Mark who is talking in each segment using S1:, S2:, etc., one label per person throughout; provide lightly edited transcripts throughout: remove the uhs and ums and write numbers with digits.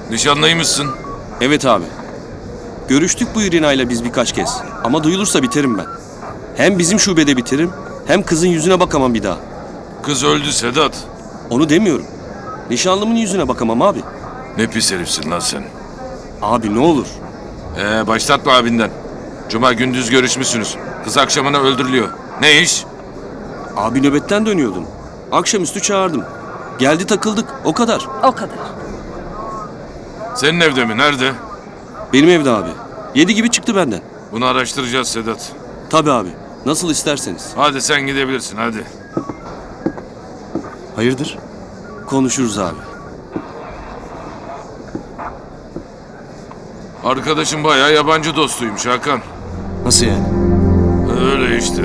S1: Nişanlıymışsın.
S2: Evet abi. Görüştük bu İrina'yla biz birkaç kez. Ama duyulursa biterim ben. Hem bizim şubede biterim, hem kızın yüzüne bakamam bir daha.
S1: Kız öldü Sedat.
S2: Onu demiyorum. Nişanlımın yüzüne bakamam abi.
S1: Ne pis herifsin lan sen.
S2: Abi ne olur.
S1: Başlatma abinden. Cuma gündüz görüşmüşsünüz. Kız akşamına öldürülüyor. Ne iş?
S2: Abi nöbetten dönüyordum. Akşamüstü çağırdım. Geldi takıldık, o kadar.
S3: O kadar.
S1: Senin evde mi? Nerede?
S2: Benim evde abi. 7 gibi çıktı benden.
S1: Bunu araştıracağız Sedat.
S2: Tabii abi. Nasıl isterseniz.
S1: Hadi sen gidebilirsin hadi.
S2: Hayırdır? Konuşuruz abi.
S1: Arkadaşım bayağı yabancı dostuymuş Hakan.
S2: Nasıl yani?
S1: Öyle işte.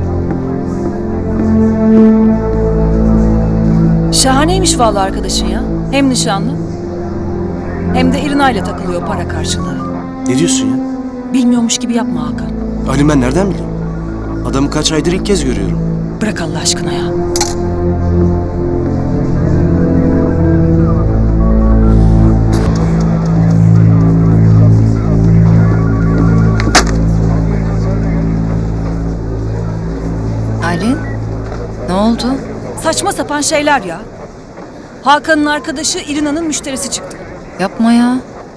S3: Şahaneymiş vallahi arkadaşın ya. Hem nişanlı hem de İrina'yla takılıyor para karşılığı.
S2: Ne diyorsun ya?
S3: Bilmiyormuş gibi yapma Hakan.
S2: Ali ben nereden bileyim? Adamı kaç aydır ilk kez görüyorum.
S3: Bırak Allah aşkına ya.
S4: Aylin, ne oldu?
S3: Saçma sapan şeyler ya. Hakan'ın arkadaşı İrina'nın müşterisi çıktı.
S4: Yapma ya.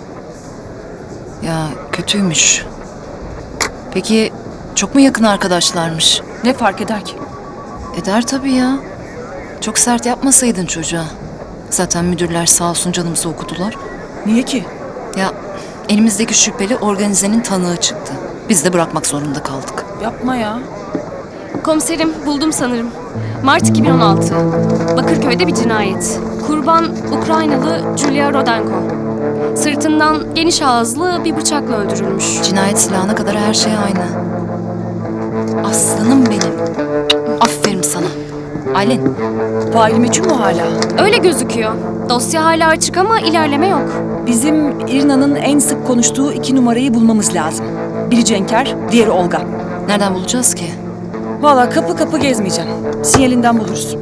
S4: Ya kötüymüş. Peki çok mu yakın arkadaşlarmış?
S3: Ne fark eder ki?
S4: Eder tabii ya. Çok sert yapmasaydın çocuğa. Zaten müdürler sağ olsun canımızı okudular.
S3: Niye ki?
S4: Ya elimizdeki şüpheli organizenin tanığı çıktı. Biz de bırakmak zorunda kaldık.
S3: Yapma ya.
S5: Komiserim buldum sanırım. Mart 2016. Bakırköy'de bir cinayet. Kurban Ukraynalı Julia Rodenko. Sırtından geniş ağızlı bir bıçakla öldürülmüş.
S4: Cinayet silahına kadar her şey aynı. Aslanım benim. Aferin sana. Aylin,
S3: Faili meçhul mu hala?
S5: Öyle gözüküyor. Dosya hala açık ama ilerleme yok.
S3: Bizim İrina'nın en sık konuştuğu 2 numarayı bulmamız lazım. Biri Cenker, diğeri Olga.
S4: nereden bulacağız ki?
S3: Vallahi kapı kapı gezmeyeceğim. Sinyalinden buluruz.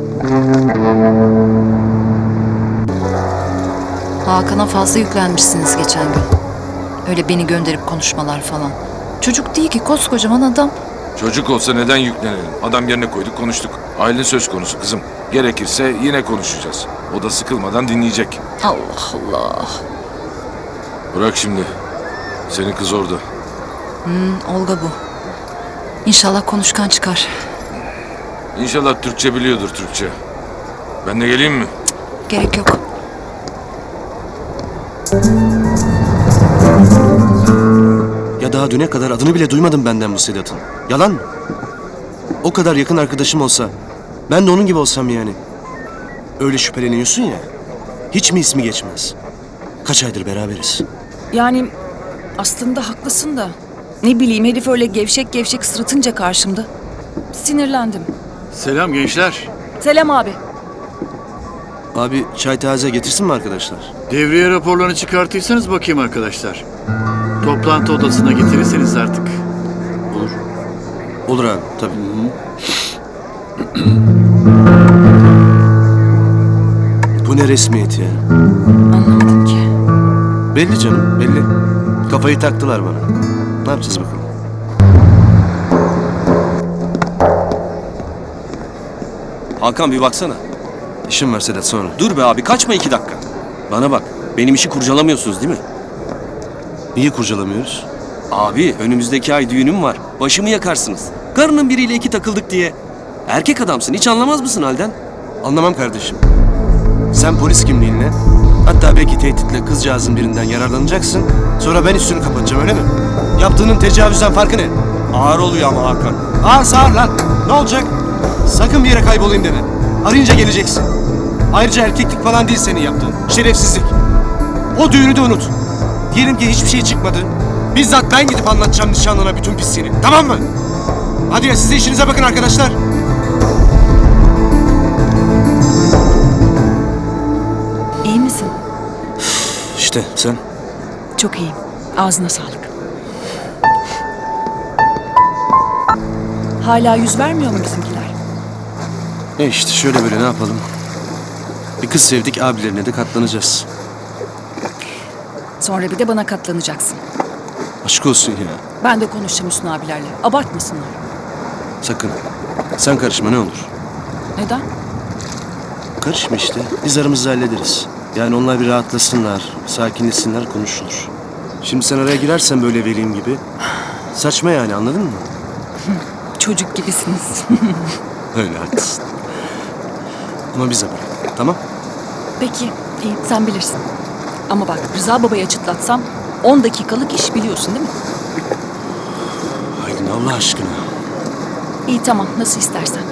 S4: Hakan'a fazla yüklenmişsiniz geçen gün. Öyle beni gönderip konuşmalar falan. Çocuk değil ki, koskocaman adam.
S1: Çocuk olsa neden yüklenelim? Adam yerine koyduk konuştuk. Aile söz konusu kızım. Gerekirse yine konuşacağız. O da sıkılmadan dinleyecek.
S4: Allah Allah.
S1: Bırak şimdi. Senin kız orada.
S4: Olga bu. İnşallah konuşkan çıkar.
S1: İnşallah Türkçe biliyordur Türkçe. Ben de geleyim mi?
S4: Gerek yok.
S2: Ya daha düne kadar adını bile duymadım benden bu Sedat'ın. Yalan mı? O kadar yakın arkadaşım olsa, ben de onun gibi olsam yani. Öyle şüpheleniyorsun ya, hiç mi ismi geçmez? Kaç aydır beraberiz?
S3: Yani aslında haklısın da. Ne bileyim herif öyle gevşek gevşek sırıtınca karşımda. Sinirlendim.
S6: Selam gençler.
S3: Selam abi.
S2: Abi çay taze getirsin mi arkadaşlar?
S6: Devriye raporlarını çıkartıysanız bakayım arkadaşlar. Toplantı odasına getirirseniz artık.
S2: Olur. Olur abi, tabii. Bu ne resmiyet ya?
S3: Anlamadım ki.
S2: Belli canım, belli. Kafayı taktılar bana. Ne yapacağız bakalım? Hakan bir baksana. İşim var Sedat sonra. Dur be abi kaçma 2 dakika. Bana bak benim işi kurcalamıyorsunuz değil mi? Niye kurcalamıyoruz? Abi önümüzdeki ay düğünüm var. Başımı yakarsınız. Karının biriyle 2 takıldık diye. Erkek adamsın hiç anlamaz mısın halden? Anlamam kardeşim. Sen polis kimliğinle hatta belki tehditle kızcağızın birinden yararlanacaksın. Sonra ben üstünü kapatacağım öyle mi? Yaptığının tecavüzden farkı ne? Ağır oluyor ama Hakan. Ağır lan. Ne olacak? Sakın bir yere kaybolayım deme. Arayınca geleceksin. Ayrıca erkeklik falan değil senin yaptığın. Şerefsizlik. O düğünü de unut. Diyelim ki hiçbir şey çıkmadı. Bizzat ben gidip anlatacağım nişanlına bütün pisliğini. Tamam mı? Hadi ya siz de işinize bakın arkadaşlar.
S3: İyi misin?
S2: İşte sen.
S3: Çok iyiyim. Ağzına sağlık. Hala yüz vermiyor mu bizimkiler?
S2: İşte şöyle böyle ne yapalım? Bir kız sevdik abilerine de katlanacağız.
S3: Sonra bir de bana katlanacaksın.
S2: Aşk olsun ya.
S3: Ben de konuşacağım Hüsnü abilerle. Abartmasınlar.
S2: Sakın. Sen karışma ne olur.
S3: Neden?
S2: Karışma işte. Biz aramızda hallederiz. Yani onlar bir rahatlasınlar, sakinleşsinler, konuşulur. Şimdi sen araya girersen böyle vereyim gibi. Saçma yani, anladın mı?
S3: Çocuk gibisiniz.
S2: Öyle, haklısın. Ama bize bırak, tamam?
S3: Peki, iyi sen bilirsin. Ama bak Rıza babayı açıklatsam 10 dakikalık iş biliyorsun değil mi?
S2: Aylin Allah aşkına.
S3: İyi tamam nasıl istersen.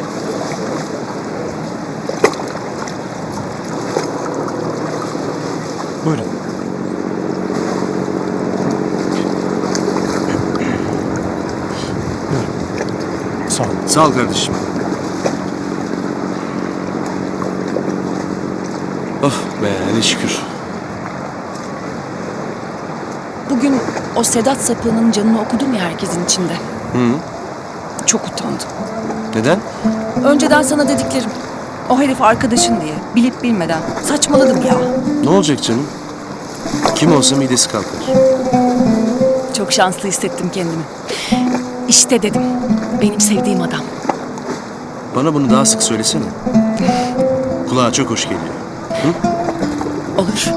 S2: Buyurun. Sağ ol. Sağ ol kardeşim. Of be, ne şükür.
S3: Bugün o Sedat sapığının canını okudum ya herkesin içinde.
S2: Hı.
S3: Çok utandım.
S2: Neden?
S3: Önceden sana dediklerim. O herif arkadaşın diye bilip bilmeden saçmaladım ya.
S2: Ne olacak canım? Kim olsa midesi kalkar.
S3: Çok şanslı hissettim kendimi. İşte dedim benim sevdiğim adam.
S2: Bana bunu daha sık söylesene. Kulağa çok hoş geliyor.
S3: Olur.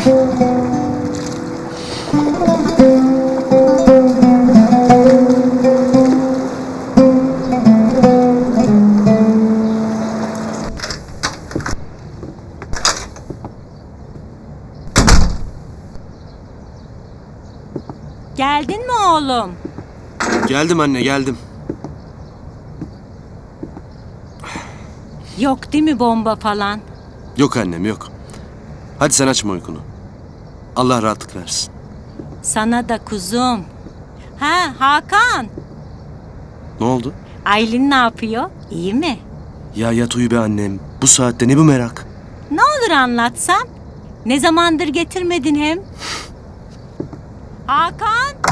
S7: Geldin mi oğlum?
S2: Geldim anne, geldim.
S7: Yok değil mi bomba falan?
S2: Yok annem, yok. Hadi sen açma uykunu. Allah rahatlık versin.
S7: Sana da kuzum. Ha Hakan.
S2: Ne oldu?
S7: Aylin ne yapıyor? İyi mi?
S2: Ya yat uyu be annem. Bu saatte ne bu merak?
S7: Ne olur anlatsan. Ne zamandır getirmedin hem? Hakan.